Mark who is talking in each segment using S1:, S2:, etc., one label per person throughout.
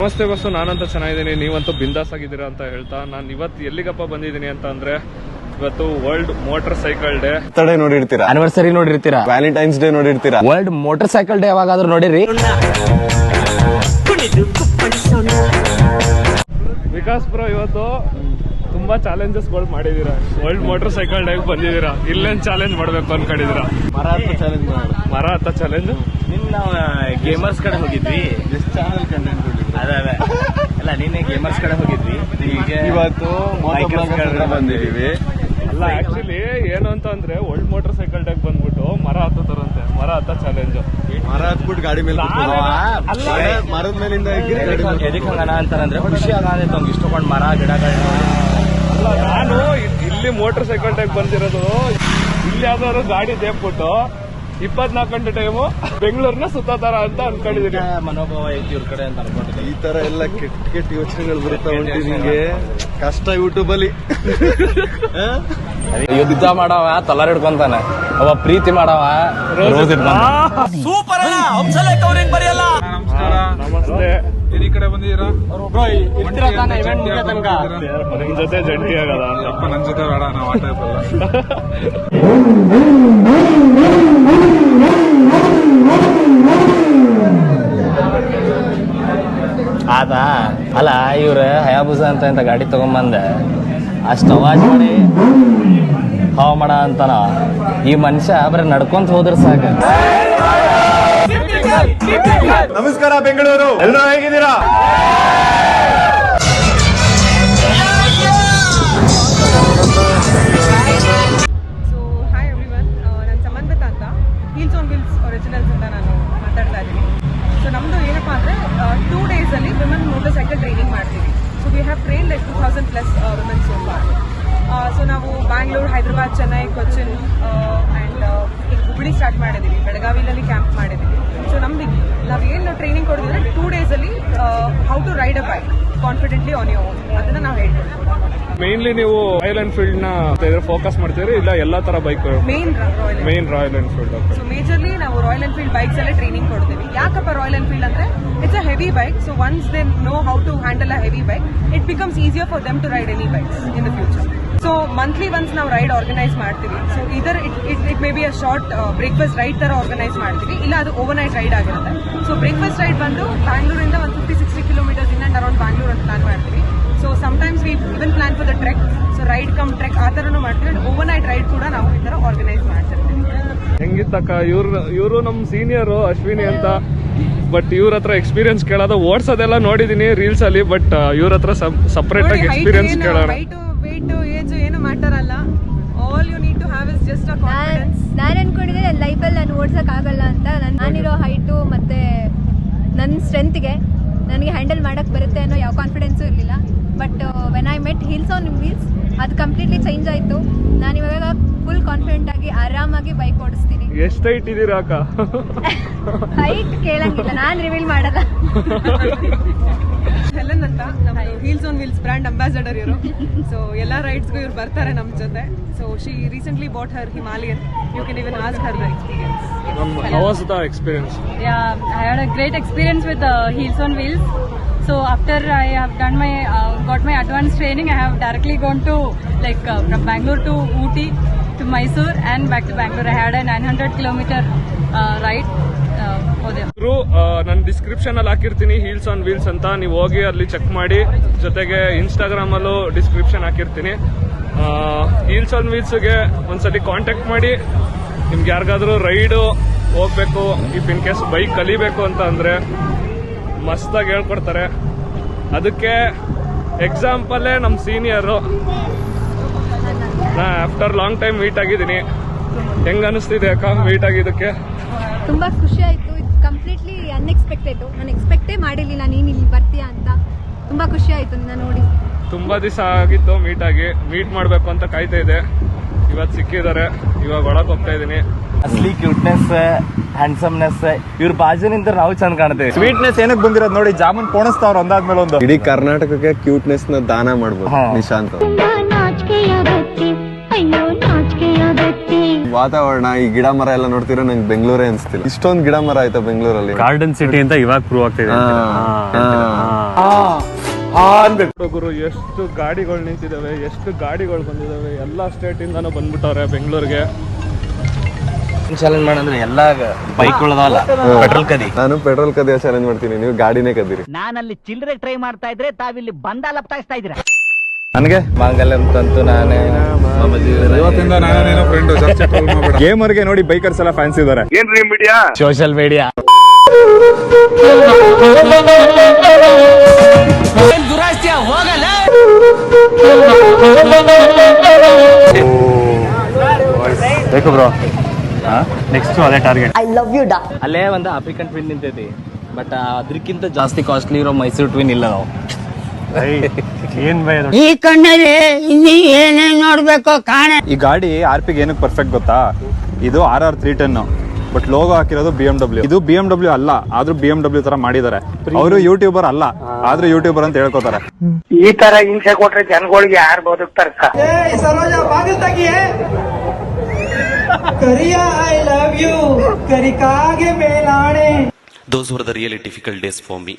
S1: ನಮಸ್ತೆ ಬಸ್ಸು, ನಾನಂತ ಚೆನ್ನಾಗಿದ್ದೀನಿ, ನೀವಂತೂ ಬಿಂದಾಸ್ ಆಗಿದ್ದೀರಾ ಅಂತ ಹೇಳ್ತಾ ನಾನು ಇವತ್ತು ಎಲ್ಲಿಗಪ್ಪ ಬಂದಿದ್ದೀನಿ ಅಂತ ಅಂದ್ರೆ ಇವತ್ತು world motorcycle day.
S2: Birthday ನೋಡಿರ್ತೀರಾ,
S3: ಆನಿವರ್ಸರಿ ನೋಡಿರ್ತೀರಾ,
S2: ವ್ಯಾಲೆಂಟೈನ್ಸ್ ಡೇ ನೋಡಿರ್ತೀರಾ,
S3: ವರ್ಲ್ಡ್ ಮೋಟರ್ ಸೈಕಲ್ ಡೇ ಯಾವಾಗಾದ್ರೂ ನೋಡಿರಿ?
S1: ವಿಕಾಸ್ ಬ್ರೋ ಇವತ್ತು ತುಂಬಾ ಚಾಲೆಂಜಸ್ ಗಳು ಮಾಡಿದೀರಾ. ವರ್ಲ್ಡ್ ಮೋಟರ್ ಸೈಕಲ್ ಡೇ ಬಂದಿದ್ದೀರಾ, ಇಲ್ಲೇನ್ ಚಾಲೆಂಜ್ ಮಾಡ್ಬೇಕು ಅನ್ಕೊಂಡಿದೀರಾ? ಮರ ಹತ್ತ ಚಾಲೆಂಜ್.
S3: ನಾವು ಗೇಮರ್ಸ್ ಕಡೆ ಹೋಗಿದ್ವಿ,
S2: ಚಾನಲ್ ಕಂಟೆಂಟ್
S3: ಅದೇ ಅಲ್ಲ, ನಿನ್ನೆ ಗೇಮರ್ಸ್ ಕಡೆ ಹೋಗಿದ್ವಿ, ಈಗ
S2: ಇವತ್ತು ಬಂದಿದೀವಿ.
S1: ಅಲ್ಲ ಆಕ್ಚುಲಿ ಏನು ಅಂತ ಅಂದ್ರೆ ವರ್ಲ್ಡ್ ಮೋಟರ್ ಸೈಕಲ್ ಡೇ ಬಂದ್ಬಿಟ್ಟು ಮರ ಹತ್ತರಂತೆ, ಮರ ಹತ್ತ ಚಾಲೆಂಜ್.
S2: ಮರ ಹತ್ಬಿಟ್ಟು ಗಾಡಿ ಮೇಲೆ ಮರದ ಮೇಲಿಂದ
S3: ಎದಕ್ಕೆ ಹಂಗನ ಅಂತಾರಂದ್ರೆ ಖುಷಿ ಆಗತ್ತೆ ಅವ್ನಿಗೆ ಇಷ್ಟಪಟ್ಟು ಮರ ಗಿಡಗಳನ್ನ.
S1: ಅಲ್ಲ, ನಾನು ಇಲ್ಲಿ ಮೋಟರ್ ಸೈಕಲ್ ಡೇ ಬಂದಿರೋದು, ಇಲ್ಲಿ ಯಾವ್ದಾದ್ರು ಗಾಡಿ ದೇಬ್ಬಿಟ್ಟು 24 ಗಂಟೆ ಟೈಮು ಬೆಂಗಳೂರಿನ ಸುತ್ತಾತಾರ ಅಂತ ಅನ್ಕೊಂಡಿದೀನಿ.
S3: ಮನೋಭಾವ ಐತಿ ಇವ್ರ ಕಡೆ ಅಂತ ಅನ್ಕೊಂಡಿದ್ದೀನಿ.
S2: ಈ ತರ ಎಲ್ಲ ಕೆಟ್ಟ ಕೆಟ್ಟ ಯೋಚನೆಗಳು ಬರ್ತಾ ಉಂಟು ನಿಂಗೆ. ಕಷ್ಟ ಯೂಟ್ಯೂಬ್ ಅಲ್ಲಿ.
S3: ಯುದ್ಧ ಮಾಡವ ತಲಾರ್ ಹಿಡ್ಕೊಂತಾನೆ, ಅವ ಪ್ರೀತಿ ಮಾಡವ ರೋಸ್ ಇಟ್ಕೊಂತಾನೆ. ಸೂಪರ್ ಅಣ್ಣ, ಹಂಸಲೇಖ ಅವ್ರ ಹೆಂಗ್ ಬರೆಯಲ್ಲ.
S1: ನಮಸ್ತೆ.
S4: ಈ ಕಡೆ ಬಂದಿದ್ದೀರಾ?
S1: ನಿಮ್ ಜೊತೆ ಜಂಟಿ ಆಗದ
S4: ಅಪ್ಪ ನನ್ ಜೊತೆ ಬೇಡ, ನಾವು ಆಟ ಇರಲ್ಲ.
S3: ಆತ ಅಲ್ಲ, ಇವ್ರ ಹಯಾಬುಸ ಅಂತ ಗಾಡಿ ತಗೊಂಬಂದೆ, ಅಷ್ಟು ಅವಾಜ್ ಮಾಡಿ ಹಾವ ಮಾಡ ಅಂತಾನ. ಈ ಮನುಷ್ಯ ಬರೀ ನಡ್ಕೊಂತ ಹೋದ್ರ ಸಾಕ.
S2: ನಮಸ್ಕಾರ ಬೆಂಗಳೂರು, ಎಲ್ಲರೂ ಹೇಗಿದ್ದೀರಾ?
S5: ಸೊ ಹಾಯ್ ಎವ್ರಿವನ್, ನಾನು ಸಮನ್ವಿತ ಅಂತ, ಹೀಲ್ಸ್ ಆನ್ ವೀಲ್ಸ್ ಒರಿಜಿನಲ್ಸ್ ಅಂತ ನಾನು ಮಾತಾಡ್ತಾ ಇದ್ದೀನಿ. ಸೊ ನಮ್ಮದು ಏನಪ್ಪ ಅಂದರೆ 2 ಡೇಸಲ್ಲಿ ವಿಮೆನ್ ಮೋಟರ್ ಸೈಕಲ್ ಟ್ರೈನಿಂಗ್ ಮಾಡ್ತೀವಿ. So we have train like 2000+ women so far. So ನಾವು ಬ್ಯಾಂಗ್ಳೂರು, ಹೈದರಾಬಾದ್, ಚೆನ್ನೈ, ಕೊಚ್ಚಿನ್ ಆ್ಯಂಡ್ ಈಗ ಹುಬ್ಬಳ್ಳಿ ಸ್ಟಾರ್ಟ್ ಮಾಡಿದ್ದೀವಿ, ಬೆಳಗಾವಿನಲ್ಲಿ ಕ್ಯಾಂಪ್ ಮಾಡಿದ್ದೀವಿ. ಸೊ ನಮ್ದು ನಾವು ಏನು ಟ್ರೈನಿಂಗ್ ಕೊಡೋದಿದ್ರೆ 2 ಡೇಸಲ್ಲಿ how to ride a bike confidently on your own, ಅದನ್ನು ನಾವು ಹೇಳ್ಕೊಡ್ತೀವಿ.
S1: ಮೇನ್ಲಿ ನೀವು ರಾಯಲ್ ಎನ್ಫೀಲ್ಡ್ ನ ಫೋಕಸ್ ಮಾಡ್ತೀರಿ, ಇಲ್ಲ ಎಲ್ಲಾ ತರ bike? Main Royal Enfield.
S5: So majorly ನಾವು ರಾಯಲ್ ಎನ್ಫೀಲ್ಡ್ ಬೈಕ್ಸ್ ಅಲ್ಲೇ ಟ್ರೈನಿಂಗ್ ಕೊಡ್ತೀವಿ. ಯಾಕಪ್ಪ ರಾಯಲ್ ಎನ್ಫೀಲ್ಡ್ ಅಂದ್ರೆ it's a heavy bike. So once they know how to handle a heavy bike, it becomes easier for them to ride any bikes in the future. So monthly once ನಾವು ride organise ಮಾಡ್ತೀವಿ. So either it may be a short breakfast ride ತರ organise ಮಾಡ್ತೀವಿ, ಇಲ್ಲ ಅದು over night ride ಆಗಿರುತ್ತೆ. So breakfast ride ಬಂದು ಬ್ಯಾಂಗ್ಳೂರಿಂದ 150-60 kilometres in and around Bangalore ಅಂತ ಪ್ಲಾನ್ ಮಾಡ್ತೀವಿ. So sometimes we even plan for the trek. So ride cum trek ಆ ಥರನೂ ಮಾಡ್ತೀವಿ. ಅಂಡ್ ಓವರ್ ನೈಟ್ ರೈಡ್ ಕೂಡ ನಾವು ಈ ಥರ ಆರ್ಗನೈಸ್ ಮಾಡ್ತಿರ್ತೀವಿ.
S1: ಹೆಂಗಿತ್ತಕ್ಕ? ಇವರು ನಮ್ ಸೀನಿಯರು ಅಶ್ವಿನಿ ಅಂತ, ಬಟ್ ಇವ್ರ ಹತ್ರ ಎಕ್ಸ್ಪೀರಿಯನ್ಸ್ ಕೇಳೋದು, ಓಡ್ಸೋದೆಲ್ಲ ನೋಡಿದೀನಿ ರೀಲ್ಸ್ ಅಲ್ಲಿ, ಬಟ್ ಇವ್ರ ಹತ್ರ ಸಪರೇಟ್ ಆಗಿ ಎಕ್ಸ್ಪೀರಿಯನ್ಸ್ ಕೇಳೋಣ.
S5: ವೇಟ್ ಏಜ್ ಏನು ಮ್ಯಾಟರ್ ಅಲ್ಲ, all you need to have is just a confidence.
S6: ನಾನು ಅನ್ಕೊಂಡಿದ್ದೆ ನನ್ನ ಲೈಫಲ್ಲಿ ನಾನು ಓಡ್ಸಕ್ ಆಗಲ್ಲ ಅಂತ. ನಾನಿರೋ ಹೈಟು ಮತ್ತೆ ನನ್ನ ಸ್ಟ್ರೆಂತ್ಗೆ ನನಗೆ ಹ್ಯಾಂಡಲ್ ಮಾಡಕ್ ಬರುತ್ತೆ ಅನ್ನೋ ಯಾವ ಕಾನ್ಫಿಡೆನ್ಸು ಇರಲಿಲ್ಲ. But when I met Heels on Wheels, ಅದು ಕಂಪ್ಲೀಟ್ಲಿ ಚೇಂಜ್ ಆಯಿತು. ನಾನು ಇವಾಗ ಫುಲ್ ಕಾನ್ಫಿಡೆಂಟ್ ಆಗಿ ಆರಾಮಾಗಿ ಬೈಕ್ ಓಡಿಸ್ತೀನಿ.
S1: ಎಷ್ಟು ಹೈಟ್ ಇದ್ದೀರಾ ಅಕ್ಕ?
S6: ಹೈಟ್ ಕೇಳಂಗಿಲ್ಲ, ನಾನು ರಿವೀಲ್ ಮಾಡಲ್ಲ.
S5: ಹೆಲನ್ ಅಂತ ನಮ್ಮ Heels on Wheels brand ambassador ಇವರು. ಸೊ ಎಲ್ಲ ರೈಡ್ಸ್ಗೂ ಇವ್ರು ಬರ್ತಾರೆ ನಮ್ಮ ಜೊತೆ. So she recently bought her Himalayan. You can even ask her the experience.
S1: How was the experience?
S7: Yeah, I had a great experience with Heels on Wheels. So after I have done my got my advanced training, I have directly gone to from Bangalore to Ooty to Mysore and back to Bangalore. I had a 900-kilometer ride over there.
S1: ನಾನು description ಅಲ್ಲಿ ಹಾಕಿರ್ತೀನಿ heels on wheels ಅಂತ, ನೀವು ಹೋಗಿ ಅಲ್ಲಿ check ಮಾಡಿ. ಜೊತೆಗೆ Instagram ಅಲ್ಲೂ ಡಿಸ್ಕ್ರಿಪ್ಷನ್ ಹಾಕಿರ್ತೀನಿ. ಹೀಲ್ಸ್ ಆನ್ ವೀಲ್ಸ್ಗೆ ಒಂದ್ಸತಿ ಕಾಂಟ್ಯಾಕ್ಟ್ ಮಾಡಿ. ನಿಮ್ಗೆ ಯಾರಿಗಾದ್ರೂ ರೈಡು ಹೋಗ್ಬೇಕು, ಇಫ್ ಇನ್ ಕೇಸ್ ಬೈಕ್ ಕಲಿಬೇಕು ಅಂತ ಅಂದ್ರೆ ಮಸ್ತಾಗಿ ಹೇಳ್ಕೊಡ್ತಾರೆ. ಅದಕ್ಕೆ ಎಕ್ಸಾಂಪಲ್ಲೇ ನಮ್ಮ ಸೀನಿಯರು. ನಾ ಆಫ್ಟರ್ ಲಾಂಗ್ ಟೈಮ್ ಮೀಟ್ ಆಗಿದ್ದೀನಿ. ಹೆಂಗ ಅನಿಸ್ತಿದೆ ಅಕ್ಕ ಮೀಟ್ ಆಗಿದ್ದಕ್ಕೆ?
S6: ತುಂಬ ಖುಷಿ ಆಯಿತು. ಇದು ಕಂಪ್ಲೀಟ್ಲಿ ಅನ್ಎಕ್ಸ್ಪೆಕ್ಟೆಡ್. ನಾನು ಎಕ್ಸ್ಪೆಕ್ಟೇ ಮಾಡಿರಲಿಲ್ಲ ನೀನು ಇಲ್ಲಿ ಬರ್ತೀಯಾ ಅಂತ. ತುಂಬ ಖುಷಿ ಆಯಿತು ನಿನ್ನ ನೋಡಿ.
S1: ತುಂಬಾ ದಿವಸ ಆಗಿತ್ತು ಮೀಟ್ ಮಾಡಬೇಕು ಅಂತ ಕಾಯ್ತಾ ಇದೆ. ಇವತ್ತು ಸಿಕ್ಕಿದ್ದಾರೆ, ಇವಾಗ ಒಳಗೆ ಹೋಗ್ತಾ ಇದ್ದೀನಿ.
S3: ಅಸ್ಲಿ ಕ್ಯೂಟ್ನೆಸ್, ಹ್ಯಾಂಡ್ಸಮ್ನೆಸ್ ಇವ್ರ ಬಾಜು ನಿಂತ ನಾವು ಚಂದ ಕಾಣ್ತೇವೆ.
S4: ಸ್ವೀಟ್ನೆಸ್ ಏನಕ್ಕೆ ಬಂದಿರೋದು ನೋಡಿ, ಜಾಮೂನ್ ಪೋಣಿಸ್ತಾವ್ರ ಒಂದಾದ್ಮೇಲೆ ಒಂದು.
S2: ಇಡೀ ಕರ್ನಾಟಕಕ್ಕೆ ಕ್ಯೂಟ್ನೆಸ್ ನ ದಾನ ಮಾಡ್ಬೋದು ನಿಶಾಂತ್. ವಾತಾವರಣ, ಈ ಗಿಡ ಮರ ಎಲ್ಲ ನೋಡ್ತಿರೋ ನಂಗೆ ಬೆಂಗಳೂರೇ ಅನ್ಸ್ತಿಲ್ಲ. ಇಷ್ಟೊಂದು ಗಿಡ ಮರ ಆಯ್ತಾ ಬೆಂಗಳೂರಲ್ಲಿ.
S3: ಗಾರ್ಡನ್ ಸಿಟಿ ಅಂತ ಇವಾಗ ಪ್ರೂವ್ ಆಗ್ತಿದೆ.
S1: ಗುರು ಎಷ್ಟು ಗಾಡಿಗಳು ನಿಂತಿದ್ದಾವೆ, ಎಷ್ಟು ಗಾಡಿಗಳು ಬಂದಿದ್ದಾವೆ, ಎಲ್ಲ ಸ್ಟೇಟಿಂದನೂ ಬಂದ್ಬಿಟ್ಟವ್ರೆ ಬೆಂಗಳೂರಿಗೆ.
S3: ಚಾಲೆಂಜ್ ಮಾಡಂದ್ರೆ ಎಲ್ಲ ಬೈಕ್ಗಳದಲ್ಲ, ಪೆಟ್ರೋಲ್ ಕದಿ.
S2: ನಾನು ಪೆಟ್ರೋಲ್ ಕದಿಯ ಚಾಲೆಂಜ್ ಮಾಡ್ತೀನಿ, ನೀವು ಗಾಡಿನೇ ಕದೀರಿ.
S8: ನಾನಲ್ಲಿ ಚಿಲ್ಲರೆ ಟ್ರೈ ಮಾಡ್ತಾ ಇದ್ರೆ ತಾವಿಲ್ಲಿ ಬಂದ ಲಪ್ತಾಯಿಸ್ತಾ ಇದ್ದೀರಾ.
S3: ನನಗೆ ಮಾಂಗಲ್ಯ ಅಂತಂತೂ ನಾನೇ
S4: ಇವತ್ತಿಂದ ನಾನೇನೋ ಫ್ರೆಂಡ್ ಜಾಸ್ತಿ ಟ್ರೋಲ್ ಮಾಡಬೇಡ. ಗೇಮರ್ಗೆ ನೋಡಿ ಬೈಕರ್ಸ್ ಎಲ್ಲ ಫ್ಯಾನ್ಸ್ ಇದ್ದಾರೆ.
S1: ಏನ್ರಿ ಮೀಡಿಯಾ,
S3: ಸೋಷಿಯಲ್ ಮೀಡಿಯಾ
S4: ಬೇಕು ಬ್ರೋ, ನೆಕ್ಸ್ಟ್ ಅದೇ ಟಾರ್ಗೆಟ್.
S3: ಅಲ್ಲೇ ಒಂದು ಆಫ್ರಿಕನ್ ಟ್ವಿನ್ ನಿಂತೈತಿ, ಬಟ್ ಅದಕ್ಕಿಂತ ಜಾಸ್ತಿ ಕಾಸ್ಟ್ಲಿ ಇರೋ ಮೈಸೂರು ಟ್ವಿನ್ ಇಲ್ಲ ನಾವು.
S4: ಏನ್ ಬೈ ಅದು?
S8: ಈ ಕಣ್ಣಲ್ಲಿ ಇನ್ನೀ ಏನೇನ್ ನೋಡ್ಬೇಕು ಕಾಣೆ.
S4: ಈ ಗಾಡಿ RP ಗೆ ಏನಕ್ಕೆ ಪರ್ಫೆಕ್ಟ್ ಗೊತ್ತಾ? ಇದು RR 310, ಬಟ್ ಲೋಗೋ ಹಾಕಿರೋದು BMW. ಇದು BMW ಅಲ್ಲ, ಆದ್ರೂ BMW ತರ ಮಾಡಿದ್ದಾರೆ. ಅವರು ಯೂಟ್ಯೂಬರ್ ಅಲ್ಲ, ಆದ್ರೂ ಯೂಟ್ಯೂಬರ್ ಅಂತ ಹೇಳ್ಕೊತಾರೆ.
S8: ಈ ತರ ಹಿಂಸೆ ಕೊಟ್ರೆ ಜನಗಳಿಗೆ ಯಾರು ಬದುಕ್ತಾರ?
S9: Those were the really difficult days for me.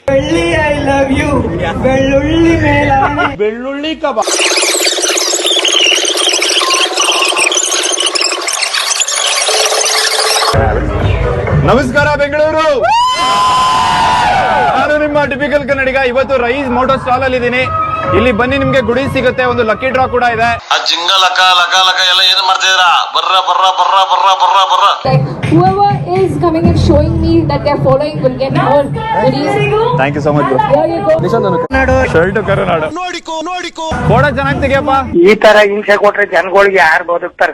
S4: ನಮಸ್ಕಾರ ಬೆಂಗಳೂರು, ನಾನು ನಿಮ್ಮ ಟಿಪಿಕಲ್ ಕನ್ನಡಿಗ. ಇವತ್ತು ರೈಸ್ ಮೋಟೋ ಸ್ಟಾಲ್ ಅಲ್ಲಿ ಇದ್ದೀನಿ. ಇಲ್ಲಿ ಬನ್ನಿ, ನಿಮ್ಗೆ ಗುಡಿ ಸಿಗುತ್ತೆ, ಒಂದು ಲಕ್ಕಿ ಡ್ರಾ ಕೂಡ ಇದೆ.
S9: ಆ ಜಿಂಗ ಲಕ ಲಕ ಲಕ ಎಲ್ಲ ಏನ್ ಮಾಡ್ತಿದ್ದೀರಾ? ಬರ್ರ ಬರ್ರ ಬರ್ರ ಬರ್ರ ಬರ್ರ ಬರ್ರ.
S6: Like whoever is coming and showing me that they're following will get more goodies.
S4: Thank you so much.
S6: Here you go.
S4: Shirt Karunadu photo ಚೆನ್ನಾಗಿ ತೆಗಿಯಪ್ಪ.
S8: ಈ ತರ ಹಿಂಸೆ ಕೊಟ್ರೆ ಜನಗಳಿಗೆ ಯಾರು ಬದುಕ್ತಾರ?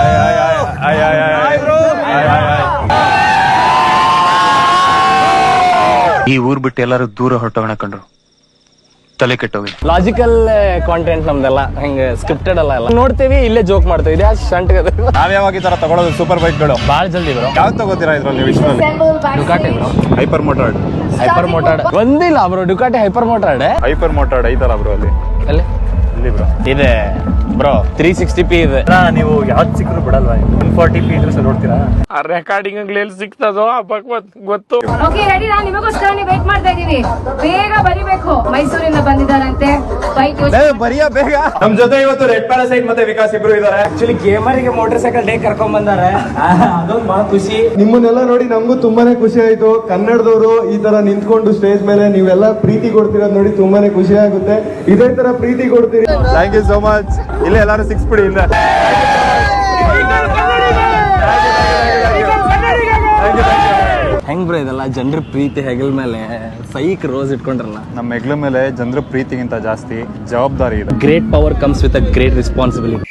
S9: ಈ ಊರ್ ಬಿಟ್ಟು ಎಲ್ಲರೂ ದೂರ ಹೊರಟೋಣ ಕಂಡ್ರು, ತಲೆ ಕೆಟ್ಟೋಗಿದೆ.
S3: ಲಾಜಿಕಲ್ ಕಾಂಟೆಂಟ್ ನಮ್ದೆಲ್ಲ, ಹಿಂಗೆ ಸ್ಕ್ರಿಪ್ಟೆಡ್ ಅಲ್ಲ. ಎಲ್ಲ ನೋಡ್ತೀವಿ, ಇಲ್ಲೇ ಜೋಕ್ ಮಾಡ್ತೀವಿ. ಇದು ಶಂಟ್
S4: ನಾವ್ ಯಾವಾಗ ಈ ತರ ತಗೊಳ್ಳೋದು ಸೂಪರ್ ಬೈಕ್ಗಳು?
S3: ಭಾಳ ಜಲ್ದಿ ಬ್ರೋ.
S4: ಯಾವ್ದು ತಗೋತೀರಾ ಇದ್ರಲ್ಲಿ ವಿಶ್ವದಲ್ಲಿ?
S3: Ducati bro,
S4: Hypermotard.
S3: Hypermotard ಒಂದಿಲ್ಲ bro, Ducati Hypermotard.
S4: Hypermotard ಐತಲ್ಲ ಬ್ರೋ ಅಲ್ಲಿ
S3: ಅಲ್ಲಿ
S4: ಬ್ರೋ
S3: ಇದೆ ಬ್ರೋ. 360p ಇದೆ.
S4: ನೀವು ಯಾವ್ದು ಸಿಕ್ಕರು ಬಿಡಲ್ವಾ? 140p ಇದ್ರೆ ನೋಡ್ತೀರಾ?
S1: ಆ ರೆಕಾರ್ಡಿಂಗ್ ಎಲ್ಲಿ ಸಿಗ್ತದೋ ಗೊತ್ತು.
S6: Okay, ready ನಾ ನಿಮಗೋಸ್ಕರ ವೇಟ್ ಮಾಡ್ತಾ ಇದೀವಿ. ಬೇಗ ಬರಿಬೇಕು. ಮೈಸೂರಿಂದ ಬಂದಿದ್ದಾರಂತೆ ಬೈಕ್.
S4: ಬರಿಯಾ ಬೇಗ. ನಮ್ ಜೊತೆ ಇವತ್ತು ರೆಡ್ ಪ್ಯಾರಾಸೈಟ್ ಮತ್ತೆ ವಿಕಾಸ್ ಇಬ್ರು ಇದಾರೆ.
S3: ಆಕ್ಚುಲಿ ಗೇಮರಿಗೆ ಮೋಟರ್ ಸೈಕಲ್ ಡೇ ಕರ್ಕೊಂಡ್ ಬಂದಾರೆ, ಅದೊಂದು ಬಹಳ ಖುಷಿ.
S2: ನಿಮ್ಮನ್ನೆಲ್ಲ ನೋಡಿ ನಮಗೂ ತುಂಬಾನೇ ಖುಷಿ ಆಯ್ತು. ಕನ್ನಡದವರು ಈ ತರ ನಿಂತ್ಕೊಂಡು ಸ್ಟೇಜ್ ಮೇಲೆ ನೀವೆಲ್ಲ ಪ್ರೀತಿ ಕೊಡ್ತಿರೋದು ನೋಡಿ ತುಂಬಾನೇ ಖುಷಿ ಆಗುತ್ತೆ. ಇದೇ ತರ ಪ್ರೀತಿ ಕೊಡ್ತೀರಿ.
S4: Thank you so much. ಇಲ್ಲೇ ಎಲ್ಲಾರು ಸಿಕ್ಸ್ ಬಿಡಿ ಇಂದ.
S3: ಹೆಂಗ್ ಬ್ರೋ ಇದೆಲ್ಲ ಜನರ ಪ್ರೀತಿ ಹೆಗಲ್ ಮೇಲೆ ಸೈಕ್ ರೋಸ್ ಇಟ್ಕೊಂಡ್ರಲ್ಲ.
S4: ನಮ್ಮ ಹೆಗ್ಲ ಮೇಲೆ ಜನರ ಪ್ರೀತಿಗಿಂತ ಜಾಸ್ತಿ ಜವಾಬ್ದಾರಿ ಇದೆ.
S3: Great power comes with a great responsibility.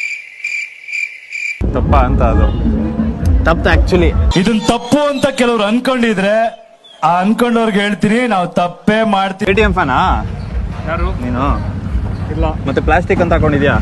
S4: ತಪ್ಪ ಅಂತ ಅದು
S3: ತಪ್ಪು ಆಕ್ಚುಲಿ.
S10: ಇದನ್ ತಪ್ಪು ಅಂತ ಕೆಲವ್ರು ಅನ್ಕೊಂಡಿದ್ರೆ ಆ ಅನ್ಕೊಂಡವ್ರಿಗೆ ಹೇಳ್ತೀನಿ, ನಾವು ತಪ್ಪೇ ಮಾಡ್ತೀವಿ.
S4: KTM ಫ್ಯಾನಾ
S1: ಯಾರು?
S4: ನೀನು
S1: ಇಲ್ಲ.
S4: ಮತ್ತೆ ಪ್ಲಾಸ್ಟಿಕ್ ಅಂತ ಹಾಕೊಂಡಿದ್ಯಾ?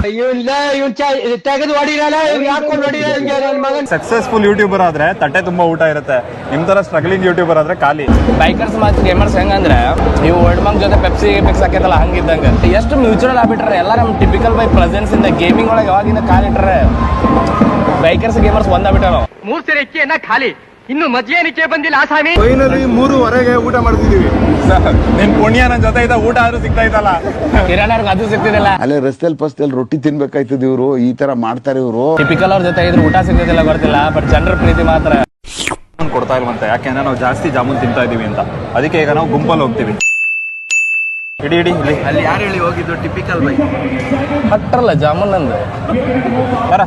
S4: ಸಕ್ಸಸ್ಫುಲ್ ಯೂಟ್ಯೂಬರ್ ಆದ್ರೆ ತಟ್ಟೆ ತುಂಬಾ ಊಟ ಇರುತ್ತೆ. ನಿಮ್ ತರ ಸ್ಟ್ರಗ್ಲಿಂಗ್ ಯೂಟ್ಯೂಬರ್ ಆದ್ರೆ ಖಾಲಿ.
S3: ಬೈಕರ್ಸ್ ಮತ್ತು ಗೇಮರ್ಸ್ ಹೆಂಗಂದ್ರೆ ಇವು ವರ್ಲ್ಡ್ ಮಂಕ್ ಜೊತೆ ಪೆಪ್ಸಿ ಹಾಕೈತಲ್ಲ ಹಂಗಿದ್ದಂಗೆ. ಎಷ್ಟು ಮ್ಯೂಚುವಲ್ ಆಗ್ಬಿಟ್ರೆ ಎಲ್ಲ ನಮ್ಮ ಟಿಪಿಕಲ್ ಬೈ ಪ್ರೆಸೆನ್ಸ್ ಇಂದ ಗೇಮಿಂಗ್ ಒಳಗೆ ಯಾವಾಗಿಂದ ಕಾಲಿಟ್ರೆ ಬೈಕರ್ಸ್ ಗೇಮರ್ಸ್ ಒಂದಾಗ್ಬಿಟ್ಟಾರ.
S8: 3 ಸೇರೆ ಅಕ್ಕಿಯನ್ನ ಖಾಲಿ, ಇನ್ನು ಮದ್ಯೇನಿಕೆ ಬಂದಿಲ್ಲ ಆಸಾಮಿ.
S2: ಫೈನಲಿ 3:15 ಊಟ ಮಾಡ್ತಿದೀವಿ.
S4: ನಿನ್ ಪುಣ್ಯ ನನ್ ಜೊತೆ ಇದ್ದ ಊಟ ಆದ್ರೂ ಸಿಗ್ತಾ ಇದ್ದಲ್ಲ.
S3: ಕಿರಾಣರ್ಗೆ ಅದು ಸಿಗ್ತಿದಿಲ್ಲ.
S11: ಅಲ್ಲೇ ರಸ್ತೆಯಲ್ಲಿ ಪಸ್ತೆಯಲ್ಲಿ ರೊಟ್ಟಿ ತಿನ್ಬೇಕಾಯ್ತದ ಇವ್ರು, ಈ ತರ ಮಾಡ್ತಾರೆ ಇವ್ರು.
S3: ಟಿಪಿಕಲ್ ಅವ್ರ ಜೊತೆ ಇದ್ರೆ ಊಟ ಸಿಗ್ತಿದಿಲ್ಲ ಗೊತ್ತಿಲ್ಲ, ಬಟ್ ಜನರ ಪ್ರೀತಿ ಮಾತ್ರ
S4: ಕೊಡ್ತಾ ಇಲ್ವಂತೆ. ಯಾಕೆಂದ್ರೆ ನಾವು ಜಾಸ್ತಿ ಜಾಮೂನ್ ತಿಂತಾ ಇದೀವಿ ಅಂತ. ಅದಕ್ಕೆ ಈಗ ನಾವು ಗುಂಪಲ್ಲಿ ಹೋಗ್ತೀವಿ. ಇಡಿ ಇಲ್ಲಿ
S2: ಅಲ್ಲಿ ಯಾರು ಹೇಳಿ ಹೋಗಿದ್ದು? ಟಿಪಿಕಲ್ ಬೈಕ್
S3: ಹಟ್ರಲ್ಲ ಜಾಮೂನ್ ಅಂದ್ರೆ
S4: ಬರ.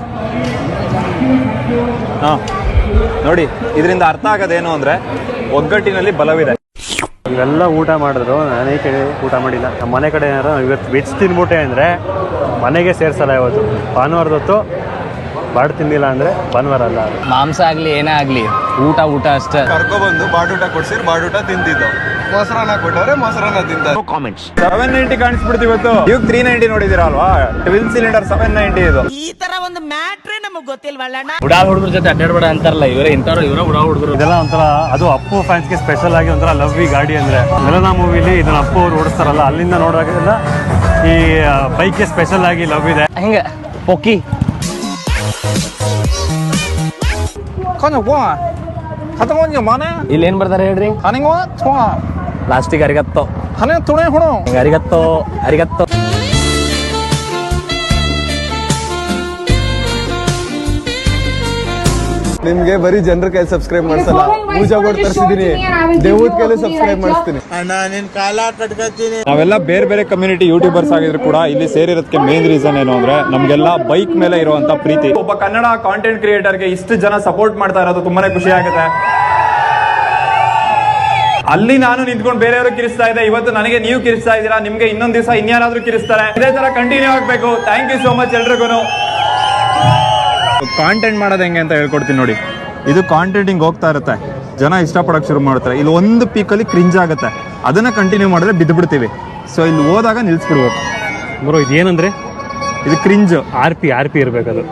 S4: ಹಾ ನೋಡಿ, ಇದರಿಂದ ಅರ್ಥ ಆಗೋದೇನು ಅಂದ್ರೆ ಒಗ್ಗಟ್ಟಿನಲ್ಲಿ ಬಲವಿದೆ.
S12: ಇವೆಲ್ಲ ಊಟ ಮಾಡಿದ್ರು, ನಾನೇ ಕಡೆ ಊಟ ಮಾಡಿಲ್ಲ. ನಮ್ಮ ಮನೆ ಕಡೆ ಏನಾರು ಇವತ್ತು ವೆಜ್ ತಿನ್ಬಿಟ್ಟೆ ಅಂದರೆ ಮನೆಗೆ ಸೇರ್ಸಲ್ಲ. ಇವತ್ತು ಭಾನುವಾರದ ಹೊತ್ತು ಬಾಡ್ ತಿಂದಿಲ್ಲ ಅಂದರೆ ಭಾನುವಾರ ಅಲ್ಲ.
S3: ಮಾಂಸ ಆಗ್ಲಿ ಏನೇ ಆಗ್ಲಿ ಊಟ ಅಷ್ಟೇ.
S2: ಕರ್ಕೊಬಂದು ಬಾಡೂಟ ಕೊಡ್ಸಿರ್ ಬಾಡೂಟ ತಿಂತಿದ್ದು. ಮೊಸರನ್ನ ಕೊಟ್ಟವ್ರೆ ಮೊಸರನ್ನ ತಿಂತ.
S4: 790 ಕಾಣಿಸ್ಬಿಡ್ತು ಇವತ್ತು. ಇವಾಗ 390 ನೋಡಿದಿರ ಅಲ್ವಾ? ಟ್ವಿನ್ ಸಿಲಿಂಡರ್ 790 ಇದು.
S8: ಈ ತರ ಒಂದು ಮ್ಯಾಟ್ರೇ ನಮಗ್ ಗೊತ್ತಿಲ್ವಲ್ಲ.
S3: ಉಡಾ ಹುಡುಗ್ರ ಜೊತೆ ಅಡ್ಡಾಡ್ಬೇಡ ಅಂತಾರಲ್ಲ, ಇವರೇ ಉಡಾ ಹುಡುಗರು.
S12: ಇದೆಲ್ಲ ಒಂಥರ ಅದು ಅಪ್ಪು ಫ್ಯಾನ್ಸ್ಗೆ ಸ್ಪೆಷಲ್ ಆಗಿ ಒಂಥರ ಲವ್ ಈ ಗಾಡಿ ಅಂದರೆ. ಮೆಲನಾ ಮೂವಿಲಿ ಇದನ್ನ ಅಪ್ಪು ಅವ್ರು ಓಡಿಸ್ತಾರಲ್ಲ, ಅಲ್ಲಿಂದ ನೋಡೋದ್ರಿಂದ ಈ ಬೈಕ್ಗೆ ಸ್ಪೆಷಲ್ ಆಗಿ ಲವ್ ಇದೆ.
S3: ಹೆಂಗ ಪೊಕ್ಕಿ ಇಲ್ಲಿ ಏನ್ ಬರ್ತಾರೆ ಹೇಳ್ರಿ? ಪ್ಲಾಸ್ಟಿಕ್ ಅರಿಗತ್ತೋ
S4: ತಲೆ ತುಣೆ ಹುಣು
S3: ಅರಿಗತ್ತೋ ಅರಿಗತ್ತೋ.
S2: ನಿಮ್ಗೆ ಬರೀ ಜನರ ಕೈ ಸಬ್ಸ್ಕ್ರೈಬ್ ಮಾಡ್ಸಲ್ಲ, ಪೂಜಾ ಕೊಟ್ಟು ತರಿಸಿದೀನಿ, ದೇವದ ಕೈಲಿ ಸಬ್ಸ್ಕ್ರೈಬ್ ಮಾಡಿಸ್ತೀನಿ.
S4: ನಾವೆಲ್ಲ ಬೇರೆ ಬೇರೆ ಕಮ್ಯುನಿಟಿ ಯೂಟ್ಯೂಬರ್ಸ್ ಆಗಿದ್ರು ಕೂಡ ಇಲ್ಲಿ ಸೇರಿರೋದಕ್ಕೆ ಮೇನ್ ರೀಸನ್ ಏನು ಅಂದ್ರೆ ನಮ್ಗೆಲ್ಲ ಬೈಕ್ ಮೇಲೆ ಇರುವಂತ ಪ್ರೀತಿ. ಒಬ್ಬ ಕನ್ನಡ ಕಾಂಟೆಂಟ್ ಕ್ರಿಯೇಟರ್ಗೆ ಇಷ್ಟು ಜನ ಸಪೋರ್ಟ್ ಮಾಡ್ತಾ ಇರೋದು ತುಂಬಾನೇ ಖುಷಿ ಆಗುತ್ತೆ. ಅಲ್ಲಿ ನಾನು ನಿಂತ್ಕೊಂಡು ಬೇರೆಯವರು ಕಿರಿಸ್ತಾ ಇದ್ದೆ, ಇವತ್ತು ನನಗೆ ನೀವು ಕಿರಿಸ್ತಾ ಇದ್ದೀರಾ. ನಿಮ್ಗೆ ಇನ್ನೊಂದ್ ದಿವಸ ಇನ್ಯಾರಾದ್ರೂ ಕಿರಿಸ್ತಾರೆ. ಇದೇ ತರ ಕಂಟಿನ್ಯೂ ಆಗ್ಬೇಕು. ಥ್ಯಾಂಕ್ ಯು ಸೋ ಮಚ್ ಎಲ್ರಿಗೂ. ಕಾಂಟೆಂಟ್ ಮಾಡೋದು ಹೆಂಗೆ ಅಂತ ಹೇಳ್ಕೊಡ್ತೀನಿ ನೋಡಿ. ಇದು ಕಾಂಟೆಂಟ್ ಹಿಂಗ್ ಹೋಗ್ತಾ ಇರುತ್ತೆ, ಜನ ಇಷ್ಟಪಡೋಕೆ ಶುರು ಮಾಡ್ತಾರೆ. ಇಲ್ಲಿ ಒಂದು ಪೀಕಲ್ಲಿ ಕ್ರಿಂಜ್ ಆಗುತ್ತೆ, ಅದನ್ನ ಕಂಟಿನ್ಯೂ ಮಾಡಿದ್ರೆ ಬಿದ್ದು ಬಿಡ್ತೀವಿ. ಸೊ ಇಲ್ಲಿ ಹೋದಾಗ ನಿಲ್ಸ್ಬಿಡ್ಬೇಕು.
S12: ಬ್ರೋ ಇದೇನಂದ್ರೆ
S4: ಇದು ಕ್ರಿಂಜ್.
S12: R P ಇರ್ಬೇಕದು.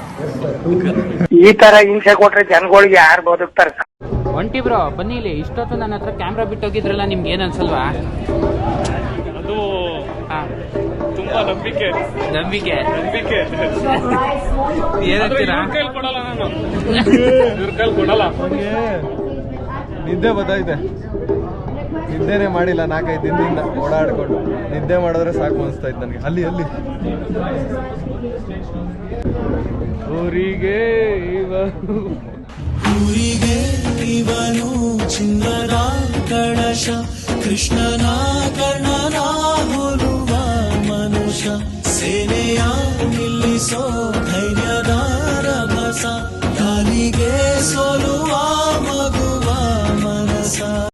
S8: ಈ ತರ ಹಿಂಸೆ ಕೊಟ್ರೆ ಜನಗಳಿಗೆ ಯಾರು ಬದುಕ್ತಾರೆ?
S13: ಒಂಟಿ ಬ್ರೋ ಬನ್ನಿ ಇಲ್ಲಿ. ಇಷ್ಟೊತ್ತು ನನ್ನ ಹತ್ರ ಕ್ಯಾಮ್ರಾ ಬಿಟ್ಟೋಗಿದ್ರಲ್ಲ, ನಿಮ್ಗೆ ಏನ್ ಅನ್ಸಲ್ವಾ?
S1: ಅದು ತುಂಬಾ ನಂಬಿಕೆ
S13: ಏನಂತೀರಾ?
S1: ಕೊಡಲ್ಲ ನಾನು, ಇವ್ರ ಕೈಲಿ ಕೊಡಲ್ಲ.
S2: ನಿದ್ದೆ ಬತ್ತಾಯ್ತೆ, ನಿದ್ದೆನೆ ಮಾಡಿಲ್ಲ 4-5 ದಿನದಿಂದ ಓಡಾಡ್ಕೊಂಡು. ನಿದ್ದೆ ಮಾಡಿದ್ರೆ ಸಾಕು ಅನಿಸ್ತಾ ಇತ್ತು ನನಗೆ. ಅಲ್ಲಿ
S1: ಊರಿಗೆ
S10: ಇವನು ಚಿನ್ನದ ಕಳಶ, ಕೃಷ್ಣನ ಕರ್ಣನ ಹೋಲುವ ಮನುಷ್ಯ, ಸೇನೆಯ ನಿಲ್ಲಿಸೋ